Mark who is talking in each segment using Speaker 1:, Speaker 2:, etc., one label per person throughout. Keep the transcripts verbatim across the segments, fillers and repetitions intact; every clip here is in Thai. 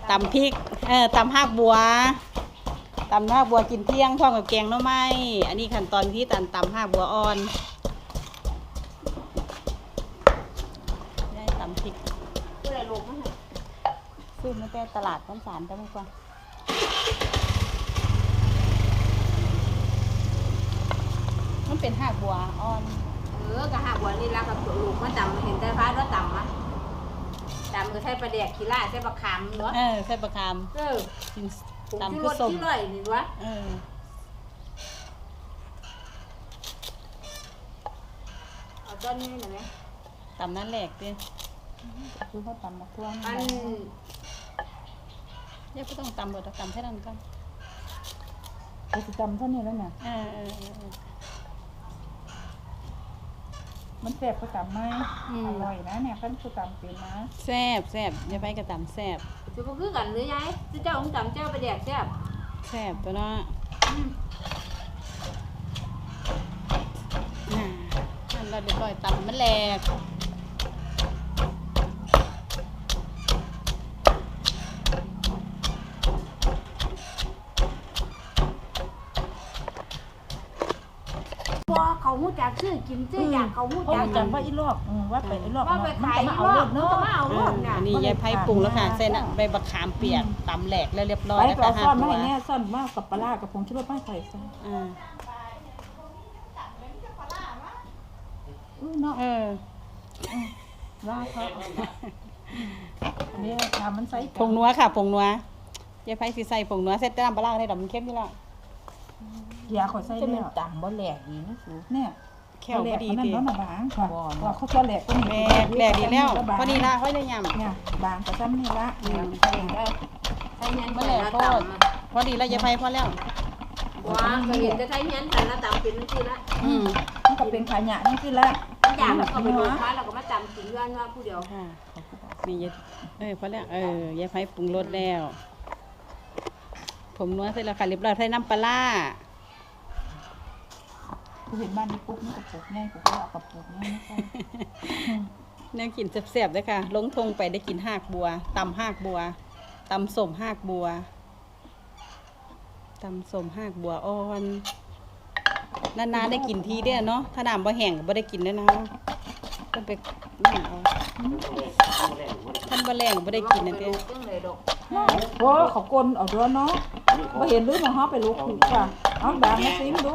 Speaker 1: ตำพริกเออตำหักบัวตำหักบัวกินเที่ยงพร้อมกับแกงหน่อไม้อันนี้ขั้นตอนที่ตันตำหักบัวอ่อนได้ตำพริกซื้ออะไรลงมั้ยซื้อมาแต่ตลาดต้นสารได้ไหมกว่ามันเป็นหักบัวอ่อน
Speaker 2: เออกะหักบัวนี่ละกับลูกมันตำเห็นแต่พาแล้วตำมั้ยตำก็ใช้ปลาแดกขี้ล่าใช้ปลาคำเนาะ
Speaker 1: เออใช้ปลาคำ
Speaker 2: เออ
Speaker 1: ตำคือส้ม
Speaker 2: ที่ร่อยนี่วะ
Speaker 1: เออ
Speaker 2: เอาต้นนี้หน่อยไหม
Speaker 1: ตำนั่นแหลกดิคือเขาตำมะพร้าว
Speaker 2: อัน
Speaker 1: เนี่ยก็ต้องตำหมดตำแค่นั้นก็
Speaker 3: เราจะตำเท่านี้แล้วเนี่ย
Speaker 1: เออเออเออ
Speaker 3: มันแซ่บก็ตำไหมอร่อยนะเนี่ยขั้นคือตำเป็นนะ
Speaker 1: แซ่บแซ่บอย่าไปกระตำแซ่บ
Speaker 2: จะมาคือกันหรือยายเจ้าองค์ตำเจ้าปลาแดกแซ่บ
Speaker 1: แซ่บตัวเนาะนั่นเราเดี๋ยวปล่อยตำมันแหลก
Speaker 2: ว่าเขาหูจักชื่อกินชื่ออยากเขาหูจัก
Speaker 3: จำว่าอีลอกว่าไปอีลอก
Speaker 2: ว่าไปขายอีลอกเนาะมาเอาลอกเนี่ย
Speaker 1: อันนี้ยายไผ่ปรุงแล้วค่ะเส้นใบบักขามเปียกตำแหลกแล้วเรียบร้อย
Speaker 3: แล้วค่ะซ่อนไม่ให้แน่ซ่อนมากกับปลากับผงชูรสไม่ใส่ซ่อน
Speaker 1: อ่า
Speaker 3: เนาะ
Speaker 1: เออ
Speaker 3: ว่าเขาอันนี้ทำมันใส่
Speaker 1: ผงนัวค่ะผงนัวยายไผ่สิใส่ผงนัวเสร็จน้ำปลาได้ดอกมันเข้มอยู่แล้ว
Speaker 3: ยาขอใส่เนี่ยต่ำบ่แหลกดีนะสูเนี่ย
Speaker 1: แค่พอดี
Speaker 3: ทีนั่นบางค่ะว่าเขาจะแหลกก็มี
Speaker 1: แหลกแหลกดีแล้วพอดีละค่อยได้ยำ
Speaker 3: เนี่ยบางกระซ้ำนี่ละ
Speaker 2: ใส่ได้ใส่เงี้ยแหลกโคตร
Speaker 1: พอดีแล้วยายไผ่พอแล้ว
Speaker 2: ว้าเคยเห็นจะใช้เงี้ยแต่ละตำเป็นนั่นคือละ
Speaker 1: อืม
Speaker 3: มันก็เป็นขยะนี่คือละ
Speaker 2: อย่างแบบเขาไปดูค้าเราก็มาตำกินกันว่าผู้เดียว
Speaker 1: นี่ยายเออพอแล้วเออยายไผ่ปรุงรสแล้วผมนัวเสร็จแล้วค่ะเรียบร้อยใส่น้ำปลา
Speaker 3: กูเห็นบ้านนี้ปุ๊บนี่กระปุกแน่กูก็เอากระปุกแน่ไม่ใช่
Speaker 1: แนวกินแซ่บๆเลยค่ะลงทงไปได้กินหากบัวตำหากบัวตำส้มหากบัวตำส้มหากบัวอ่อนนานๆได้กินทีเดียวเนาะถ้าน้ำบ่แห้งก็บ่ได้กินแล้วนะต้องไปนั่นเอาท่านบ่แรงบ่ได้กินนั่นเด้
Speaker 3: โอ้เขากลนเอาด้วยเนาะบ่เห็นหรือมาฮอไปลูกถูกค่ะเอาบางมาซิมดู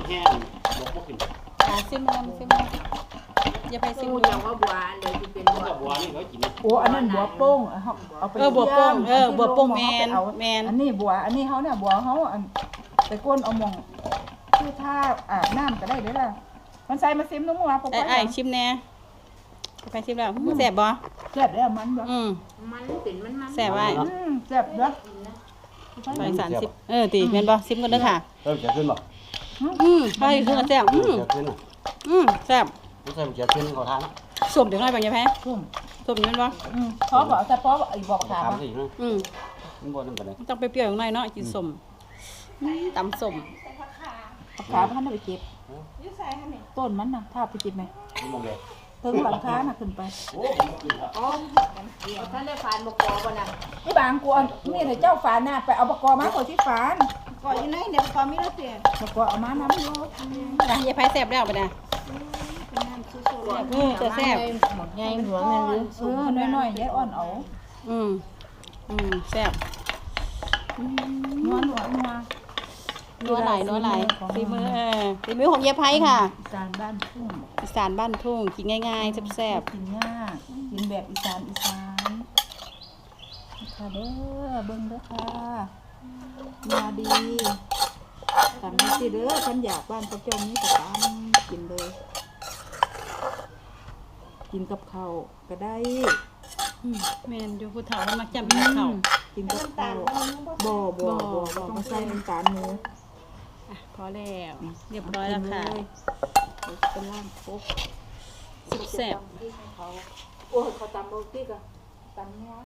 Speaker 1: อ่าซิมมันซิมมันอย่าไปซิมดู
Speaker 2: ว่าบัวเดี๋ยวจะเป็นบัวบัวนี่เขากิน
Speaker 3: โอ้อันนั้นบัวโป้งเอาไป
Speaker 1: เออบัวโป้งเออบัวโป้งแมนแมน
Speaker 3: อันนี้บัวอันนี้เขาเนี่ยบัวเขาไปก้นเอามองคือถ้าอาบน้ำก็ได้เด้อล่ะมันใส่มาซิมนุ่มว่าปกติ
Speaker 1: ไอ้ชิมแน่ไปชิมแล้วแซ่บบ่
Speaker 3: แซ่บแล้วมันบ่
Speaker 1: อืม
Speaker 2: มันเป็นมันมัน
Speaker 1: แซ่บไว้
Speaker 3: แซ่บเด้อ
Speaker 1: ไปสามสิบเออตีแม่นบ่ซิมกันเด้อค่ะ
Speaker 4: เริ่มจะขึ้นบ่
Speaker 1: อืมไปคือแซ่บอืมอืมแซ่บ
Speaker 4: ไม่ใช่จะขึ้นขอทาน
Speaker 1: สมเดี๋ยวน้อยบางอย่าแพ้สมสมนั่นบ่
Speaker 3: อืมเพราะบอกแต่เพราะไอ้บอกถามว่า
Speaker 1: อืม
Speaker 4: มันบ่นั่นปานใด
Speaker 1: ต้องไปเปรี้ยวอย่างน้อยเนาะกินสมตำสม
Speaker 3: ขาพันธุ์ไปเก็บต้นมันน่ะถ้าไปเก็บไหมถึงหลังคาน่ะขึ้นไป
Speaker 2: อ๋อท่านได้ฝานบกอก่อนนะ
Speaker 3: นี่บางกวนนี่เลยเจ้าฝานน่ะไปเอาบกอมาก่อนที่ฝาน
Speaker 2: ก่อนอยู่ไหนเนี่ยบกอมีแล้วเสีย
Speaker 3: บกอเอามาน้ำโลด
Speaker 1: นะยายไผ่แซ่บแล้วไปนะอืมจะแซ่บ
Speaker 2: หมดใหญ่หัวแม่หรือ
Speaker 3: เออน้อยๆยายอ่อนเอา
Speaker 1: อืมอืมแซ่บ
Speaker 3: นัวนัวนัว
Speaker 1: นัวไหลนัวไหลฝีมือฝีมือของยายไผ่ค่ะ
Speaker 3: อีสานบ้านทุ่ง
Speaker 1: อีสานบ้านทุ่งกินง่ายๆแซ่บ
Speaker 3: ๆกินง่ายกินแบบอีสานอีสานค่ะเด้อเบิ่งเด้อค่ะมาดีตามที่เด้อฉันอยากบ้านเขาเจ้านี้ก็ตามกินเลยกินกับข้าวก็ได้
Speaker 1: แม่นอยู่ผู้เฒ่ามันมักจำเป็นข้าว
Speaker 3: กินกับข้าวบ่บ่บ่ต้องใส่น้ำตาลหมู
Speaker 1: พอแล้วเรียบร้อยแล้วค่ะ
Speaker 3: เป็นล่างโป๊ก
Speaker 1: แซ่บ
Speaker 2: โอ้ยเขาตำโรตีกันตำเนื้อ